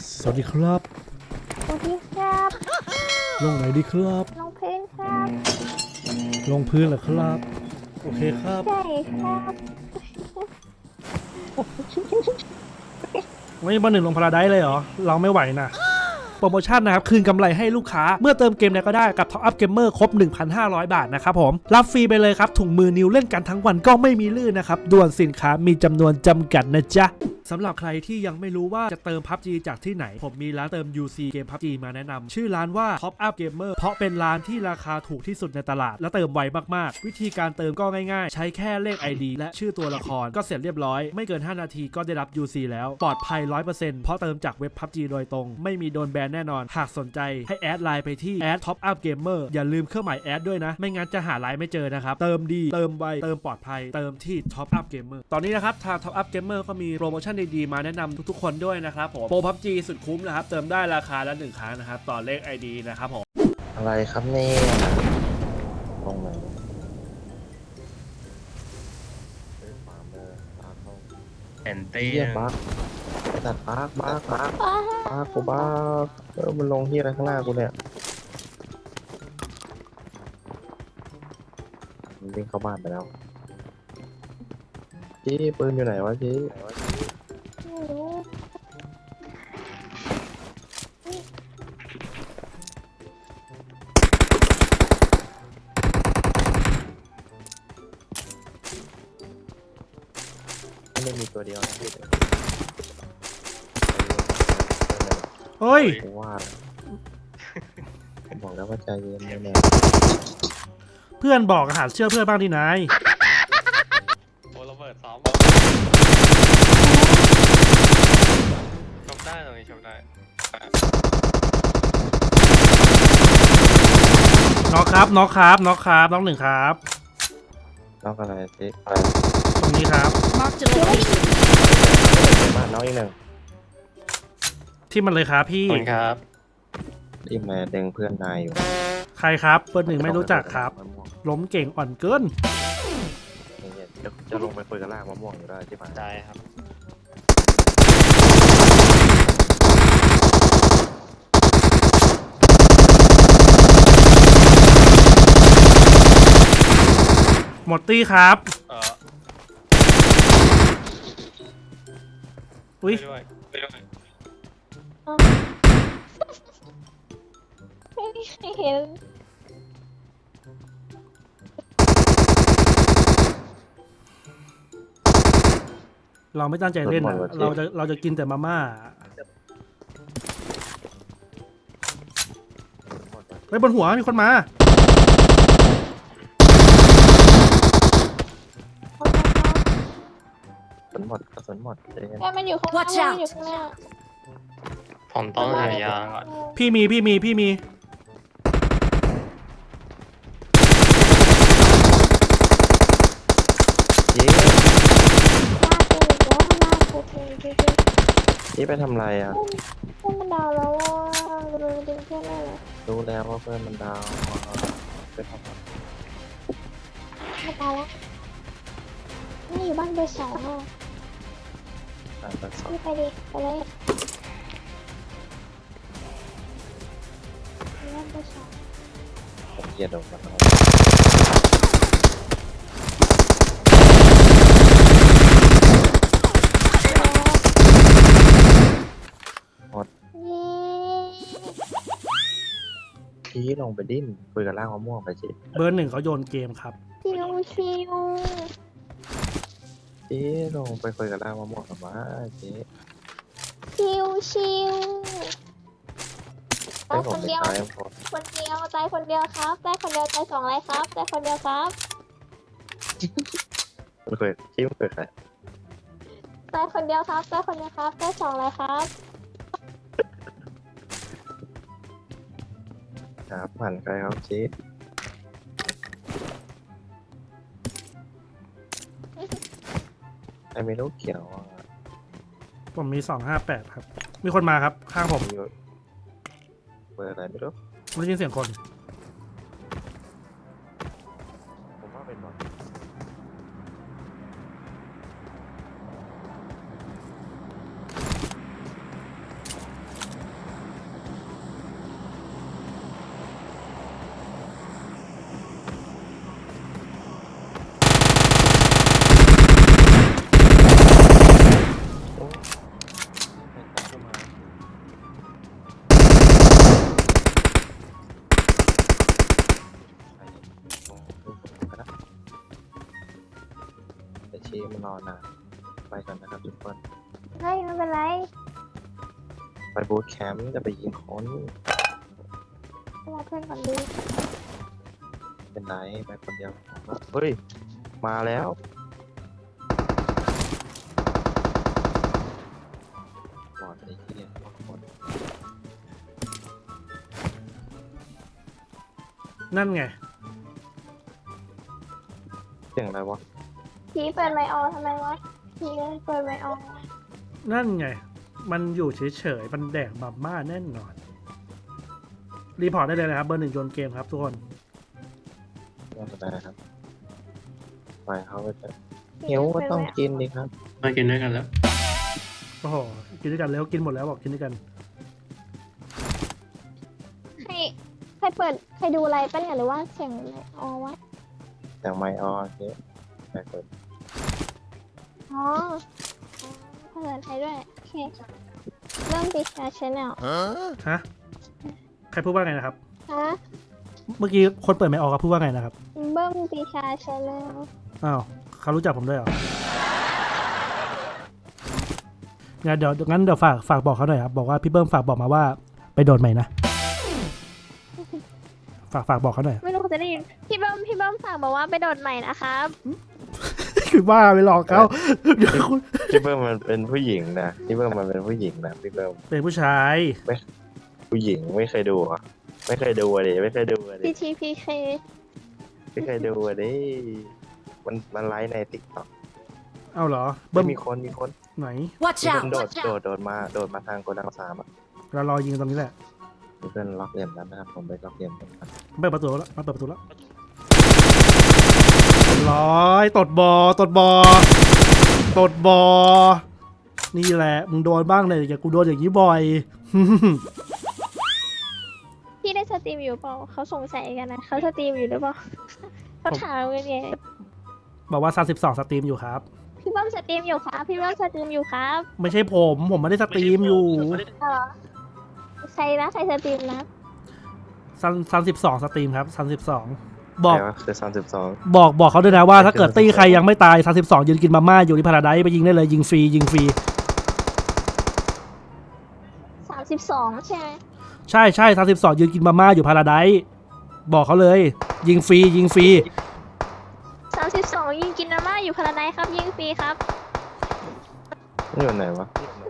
สวัสดีครับสวัสดีครับลงไหนดีครับน้องเพลงครับลงพื้นเหรอครับโอเคครับใช่ครับไม่มาหนึ่งลงพาราไดซ์เลยเหรอเราไม่ไหวนะโปรโมชั่นนะครับคืนกำไรให้ลูกค้าเมื่อเติมเกมไหนก็ได้กับ Top Up Gamer ครบ 1,500 บาทนะครับผมรับฟรีไปเลยครับถุงมือนิ้วเล่นกันทั้งวันก็ไม่มีลื่นนะครับด่วนสินค้ามีจำนวนจำกัดนะจ๊ะสำหรับใครที่ยังไม่รู้ว่าจะเติม PUBG จากที่ไหนผมมีร้านเติม UC เกม PUBG มาแนะนำชื่อร้านว่า Top Up Gamer เพราะเป็นร้านที่ราคาถูกที่สุดในตลาดและเติมไวมากๆวิธีการเติมก็ง่ายๆใช้แค่เลข ID และชื่อตัวละครก็เสร็จเรียบร้อยไม่เกิน5นาทีก็ได้รับ UC แล้วปลอดภัย 100% เพราะเติมจากเว็บ PUBG โดยตรงไม่มีโดนแบนแน่นอนหากสนใจให้แอดไลน์ไปที่ Top Up Gamer อย่าลืมเครื่องหมายแอดด้วยนะไม่งั้นจะหาไลน์ไม่เจอนะครับเติมดีเติมไวเติมปลอดภัยเติมที่ Top Up Gamer ตอนนี้นะครับทาง Top Up Gamer ก็มีโปรโมชั่นดีๆมาแนะนำทุกๆคนด้วยนะครับผมโปร PUBG สุดคุ้มนะครับเติมได้ราคาละ1ครั้งนะครับต่อเลข ID นะครับผมอะไรครับเนี่ยตรงไหนฟาร์มเมอร์ฟาร์มเมอร์แอนตี้เฮียบักตัดบักกูบักมันลงที่อะไรข้างหน้ากูเนี่ยมันวิ่งเข้าบ้านไปแล้วจี้ปืนอยู่ไหนวะจี้ไม่รู้ไม่มีตัวเดียวนะพี่เฮ้ยกูว่าผมบอกแล้วว่าใจเย็นแน่เพื่อนบอกหาเชื่อเพื่อนบ้างดินายโอ้ระเบิดซ้อมชมได้ตรงนี้ชมได้น็อกครับน็อกครับน็อกครับน็อกหนึ่งครับน้องอะไรจี้ตรงนี้ครับ Marked a location. บ้านน้องอีกหนึ่งที่มันเลยครับพี่ขอบคุณครับที่มาเด้งเพื่อนนายอยู่ใครครับเบอร์หนึ่งไม่รู้จักครับล้มเก่งอ่อนเกินจะลงไปคุยกับล่างมะม่วงอยู่ได้ใช่ไหมได้ครับหมดตี้ครับ อุ้ยไปด้วยไปด้วยไม่เห็นเราไม่ตั้งใจเล่นนะเราจะกินแต่มาม่าไปบนหัวมีคนมากระสุนหมดเองแม่มันอยู่ข้างหน้า Watch แม่ out มันอยู่ข้างหน้าผมต้องหายาก่อนพี่มีเย้หน้ากูอีกแล้วหน้ากูจริงนี่ไปทำไรอ่ะๆเพื่อนมันดาวแล้วว่าเราดึงเพื่อนได้เลยรู้แล้วว่าเพื่อนมันดาวไปทำอะไรไม่ตายแล้วนี่อยู่บ้านเบอร์สองอ่ะไปสอบพี่ไปดิไปเลยบ้านเบอร์สองผมเกียดโดนมันหมดเย้ชี้ลงไปดิ้นคุยกับล่างมะม่วงไปสิเบอร์หนึ่งเขาโยนเกมครับชิวชิวชี้ลงไปคุยกับล่างมะม่วงกับมาเจ๊ชิวชิวให้ตายผคมนไปเดียวตายพอคนเดียวตายคนเดียวครับตายคนเดียวตายสองอะไรครับตายคนเดียวครับมันเคยชี้มันเคยใครตายคนเดียวครับตายคนเดียวครับตายสองอะไรครับครับผ่านใครครับชี้ไอ้ไม่รู้เขียวอ่ะผมมี258ครับมีคนมาครับข้างผมมีเบอร์อะไรไม่รู้ได้ยินเสียงคนผมว่าเป็นบอลรอนานไปกันนะครับทุกคนเฮ้ยไม่เป็นไรไปบูธแคมป์จะไปยิงคนรอเพื่อนก่อนดีเป็นไรไปคนเดียวเฮ้ยมาแล้วบอดไอ้เหี้ยบอดคนนั่นไงเสียงอะไรวะพี่เปิดไมค์ออนทำไมวะพี่เปิดไมค์ออนนั่นไง มันอยู่เฉยๆ มันแดกมาม่าแน่นอน รีพอร์ตได้เลยนะครับ เบอร์ 1โยนเกมครับทุกคนไม่เป็นไรครับไปเขาไปเถอะหิวก็ต้องกินดิครับมากินด้วยกันแล้วโอ้โห กินด้วยกันแล้วกินหมดแล้วบอกกินด้วยกันใครเปิดใครดูอะไรปะเนี่ยหรือว่าเสียงไมค์ออนวะอย่างไมออเนี่ยไปเปิดอ๋อภาษาไทยด้วยโอเคเริ่มดิชาชแนลฮะ ใครพูดว่าไงนะครับฮะเมื่อกี้คนเปิดไม่ออกครับพูดว่าไงนะครับเบิ้มดิชาชแนลอ้าว เขารู้จักผมด้วยเหรอ งั้นเดี๋ยวฝากบอกเขาหน่อยครับ บอกว่าพี่เบิ้มฝากบอกมาว่าไปโดนใหม่นะ ฝากบอกเขาหน่อยไม่รู้เขาจะได้ยินพี่เบิ้มฝากบอกว่าไปโดดใหม่นะครับคือว่าไปหลอกเขาเดี๋ยวคุณพี่เบิ้มมันเป็นผู้หญิงนะพี่เบิ้มมันเป็นผู้หญิงนะพี่เบิ้มเป็นผู้ชายผู้หญิงไม่เคยดูอ่ะไม่เคยดูอ่ะดิไม่เคยดูอ่ะดิ PTPK ไม่เคยดูอ่ะดิมันไลฟ์ในติ๊กต็อกเอาเหรอเบิ้เบิ้มมมีคนไหน Watch มีคน out! โดดมาทางโกดัง3อ่ะเรารอยิงตรงนี้แหละมีเพื่อนล็อกเหลี่ยมแล้วนะครับผมไปล็อกเหลี่ยมกันครับเปิดประตูแล้วมาเปิดประตูแล้วร้อยตดบอ นี่แหละ มึงโดนบ้างเลยอย่ากูโดนอย่างนี้บ่อยพี่ได้สตรีมอยู่เปล่าเขาสงสัยกันนะเขาสตรีมอยู่หรือเปล่าเขาถามกันไงบอกว่า32สตรีมอยู่ครับพี่เบิ้มสตรีมอยู่ครับพี่เบิ้มสตรีมอยู่ครับไม่ใช่ผมไม่ได้สตรีมอยู่เออใครนะใครสตรีมนะ 32สตรีมครับ32บอกแต่ว่าคือ32 บอกเขาด้วยนะว่าถ้าเกิดตี้ใครยังไม่ตาย32ยืนกินมาม่าอยู่ที่พาราไดซ์ไปยิงได้เลยยิงฟรี 32ใช่ไหมใช่32ยืนกินมาม่าอยู่พาราไดซ์บอกเขาเลยยิงฟรี 32ยิงกินมาม่าอยู่พาราไดซ์ครับยิงฟรีครับนี่อยู่ไหนวะ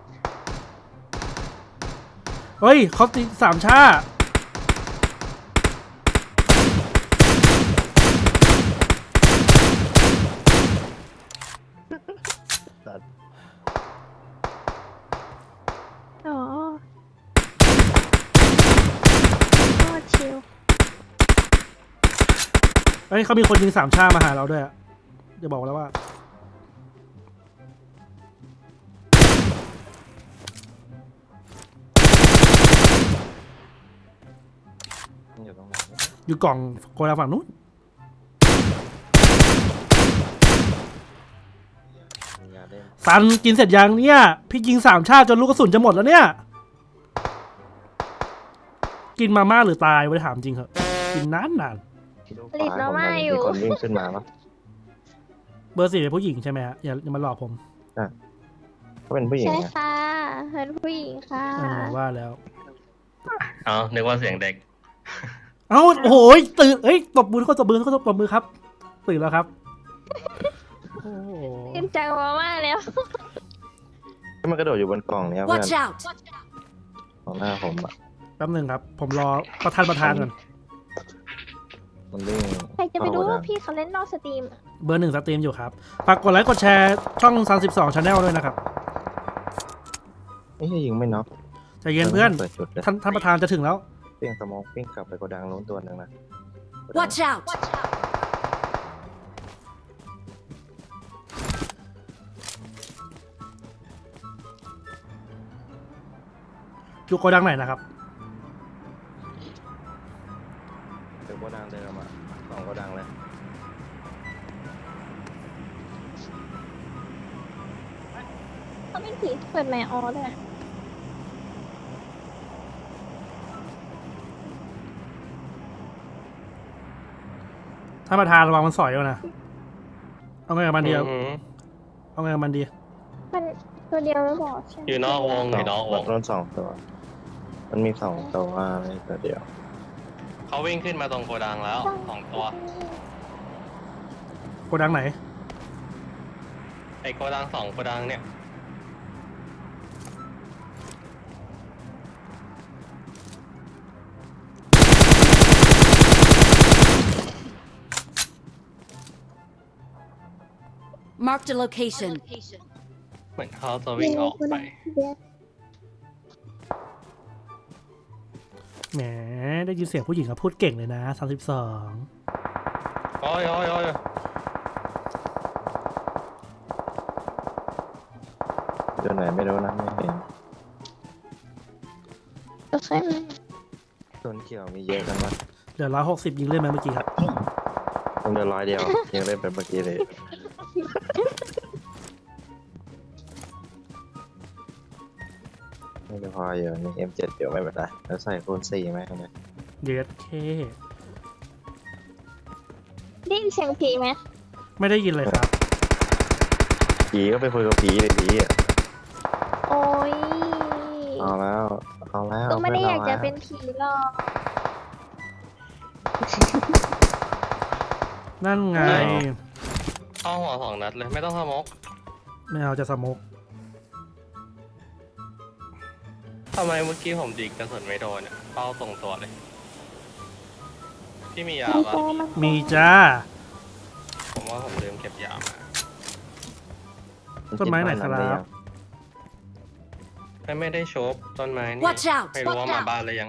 เฮ้ยเขาตี3ชาอ๋อโคตรชิลเฮ้ยเขามีคนยิง3ชามาหาเราด้วยอะจะบอกแล้วว่าอยู่ตรงไหนอยู่กล่องโกดังฝั่งนู้นมียาเล่นซันกินเสร็จยังเนี่ยพี่ยิง3ชาจนลูกกระสุนจะหมดแล้วเนี่ยกินมาม่าหรือตายไว้ถามจริงเหอะกินนานผลิตมาม่าอยู่มีคนวิ่งขึ้นมาปะเบอร์4เป็นผู้หญิงใช่ไหมฮะอย่ามาหลอกผมเขาเป็นผู้หญิงใช่นะค่ะเป็นผู้หญิงค่ะว่าแล้วเอานึกว่าเสียงเด็กเอ้าโอ้โหตื่นเอ้ยตบมือตบมือครับตื่นแล้วครับโอ้โหกินจังมาม่าแล้วที่มันกระโดดอยู่บนกล่องเนี้ยเพื่อน Watch out! ของหน้าผมอ่ะแป๊บหนึงครับผมรอประธานก่อนมันวิ่งใครจะไปรู้เข้าว่าโกดังพี่เขาเล่นนอกสตรีมอะเบอร์1สตรีมอยู่ครับฝากกดไลค์กดแชร์ช่อง32 Channel ด้วยนะครับไม่ใช่ยิงไม่น็อกใจเย็นเพื่อนเปิดจุดเลยท่านประธานจะถึงแล้วปิ้งสโมองปิ้งกลับไปโกดังนู้นตัวหนึ่งนะ Watch out! อยู่โกดังไหนนะครับเดี๋ยวโกดังเดินออกมาสองโกดังเลยเขาเป็นผีเปิดไมค์ออด้วยท่านประธานระวังมันสอยเอานะเอาไงกับมันเดียวอืมเอาไงกับมันดีมันตัวเดียวไม่บอกใช่ไหมอยู่นอกวงอยู่นอกวงโดน2 ตัว มันมี2 ตัวไม่ตัวเดียวเขาวิ่งขึ้นมาตรงโกดังแล้ว2 ตัวโกดังไหนไอ้โกดัง2โกดังเนี่ย Marked a location. เหมือนเขาจะวิ่งออกไปแหมได้ยินเสียงผู้หญิงเขาพูดเก่งเลยนะ32 โอ้ยโอ้ยโอ้ยตัวไหนไม่รู้นะไม่เห็นโอเคไหมต้นเขียวมีเยอะกันวะเหลือ160ยิงเล่นไหมเมื่อกี้ครับผมเหลือ100 เดียวยังเล่นแบบเมื่อกี้เลยไม่ได้พออยู่นี่ M7 เดี๋ยวไม่เป็นไรแล้วใส่คูณ4ไหมครับเนี่ยเย็ดเคได้ยินเสียงผีไหมไม่ได้ยินเลยครับผีก็ไปคุยกับผีเลยผีอ่ะโอ้ยเอาแล้วเอาแล้วก็ไม่ได้อยากจะพื่เป็นผีหรอกนั่นไงเข้าหัว2 นัดเลยไม่ต้องสโมกไม่เอาจะสโมกทำไมเมื่อกี้ผมดิกกระสุนไม่โดนเนี่ยเป้าตรงตัวเลยพี่มียามันปะโตมันมีจ้าผมว่าผมลืมเก็บยามาต้นไม้ไหนครับไม่ได้โชบต้นไม้นี่ Watch out! ไม่รู้ว่า Watch มา out! บ้านเลยยัง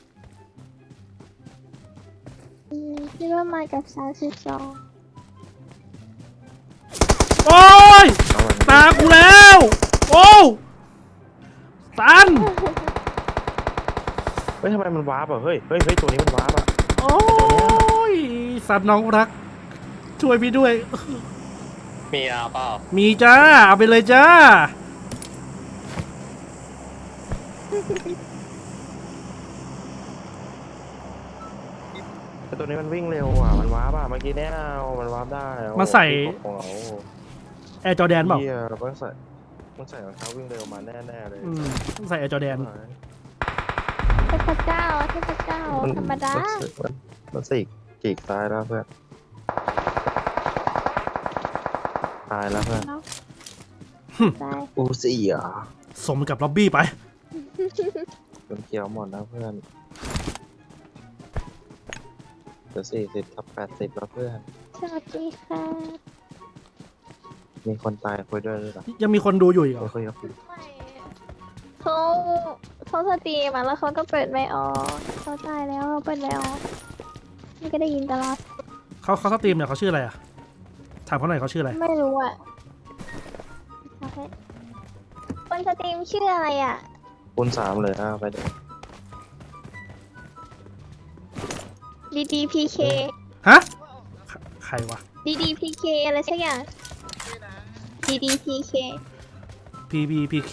คิดว่ามากับ32 โอ้ยเอามันตากูแล้ว โอ้ตันเฮ้ยทำไมมันวาร์ปอ่ะเฮ้ยเฮ้ยเฮ้ยตัวนี้มันวาร์ปอ่ะโอ้ยสัตว์น้องรัก ช่วยพี่ด้วยมียาเปล่ามีจ้า เอาไปเลยจ้าแต่ตัวนี้มันวิ่งเร็วอ่ะมันวาร์ปอ่ะเมื่อกี้แน่มันวาร์ปได้โอ้โหมาใส่ของเราแอร์จอแดนเปล่าเหี้ยมันใส่รองเท้าวิ่งเร็วมาแน่ๆเลยต้องใส่แอร์จอแดนเทพเจ้าเทพเจ้าธรรมดามันสิกีกตายแล้วเพื่อนตายแล้วเพื่อนตายอูซี่อ่ะสมกับล็อบบี้ไปจนเขียวหมดแล้วเพื่อนเหลือ40 กับ 80แล้วเพื่อนสวัสดีค่ะมีคนตายคุยด้วยหรือเปล่ายังมีคนดูอยู่อีกเหรอคุยกับพี่เขาสตรีมอ่ะแล้วเขาก็เปิดไม่ออกเขาตายแล้วเปิดไม่ออกนี่ก็ได้ยินตลอดเขาสตรีมเนี่ยเขาชื่ออะไรอ่ะ ถามเขาหน่อยเขาชื่ออะไรไม่รู้อ่ะโอเคคนสตรีมชื่ออะไรอ่ะคูณ3เลยไปเดี๋ยว DDPK ฮะ ใครวะ DDPK อะไรสักอย่าง DDPK PBPK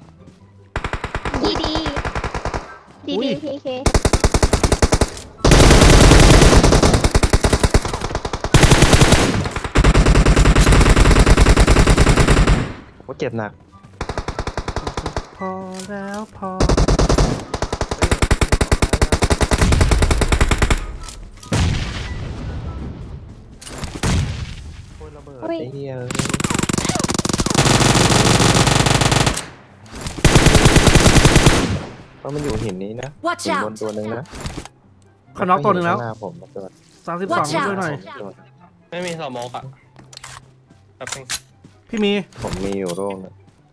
DD อุ๊ย DDPK ว่าเจ็บหนักพอแล้วพอโอ้ยระเบิดอุ๊ยไอ้เหี้ยเพราะมันอยู่หินนี้นะ Watch หินบน out! ตัวหนึ่งนะเขาน็อกตัวหนึ่งแล้วข้าหน้าผมนะตัว 32 Watch out ช่วยหน่อยไม่มีสโมกอะแป๊บนึงพี่มีผมมีอยู่โร่งหนึง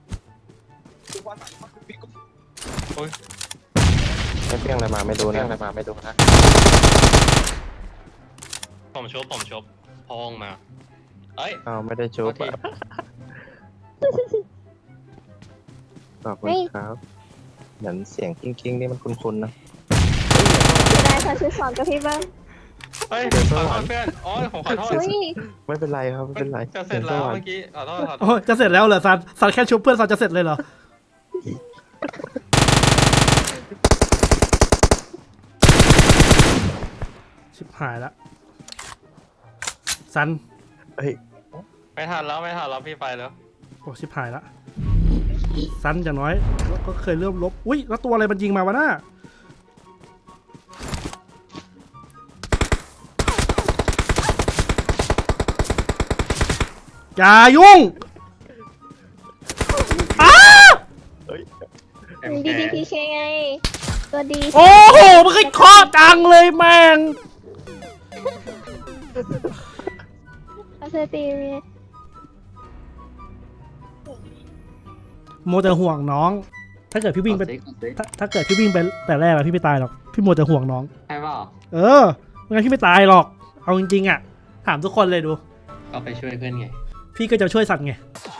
โอ้ยไม่เพี้ยงอะไรมาไม่ดูนะผมชบพองมาเอ้ยอ้าวไม่ได้ชุบโทษทีอะขอบคุณครับ เหมือนเสียงกิ้งๆนี่มันคุ้นๆนะจะได้32กับพี่เบิ้มเฮ้ยเดี๋ยวขสอวโทรษรค์เพื่อนโอ้ยผมขอโทษอุ้ยไม่เป็นไรครับไม่เป็นไรจะเสร็จแล้วเมื่อกี้ขอโทษโอ้ยจะเสร็จแล้วเหรอซันแค่ชุบเพื่อนซันจะเสร็จเลยเหรอ ชิบหายละซันเฮ้ยไม่ทันแล้วพี่ไปแล้วโอ้ชิบหายละสั้นอย่างน้อยแล้วก็เคยเริ่มลบอุ้ยแล้วตัวอะไรมันยิงมาวะน่าอย่ายุ่งอ้าดีดีพีเคไง ตัวดีโอ้โหมันก็เคาะจังเลยแม่งเอาเธอตีเมียโมวแต่ห่วงน้อง ถ้าเกิดพี่วิ่งไปถ้าเกิดพี่วิ่งไปแต่แรกอะพี่ไม่ตายหรอกพี่โมวแต่ห่วงน้องใช่เปล่าเออไม่งั้นพี่ไม่ตายหรอกเอาจริงๆอะถามทุกคนเลยดูก็ไปช่วยเพื่อนไงพี่ก็จะช่วยสัตว์ไง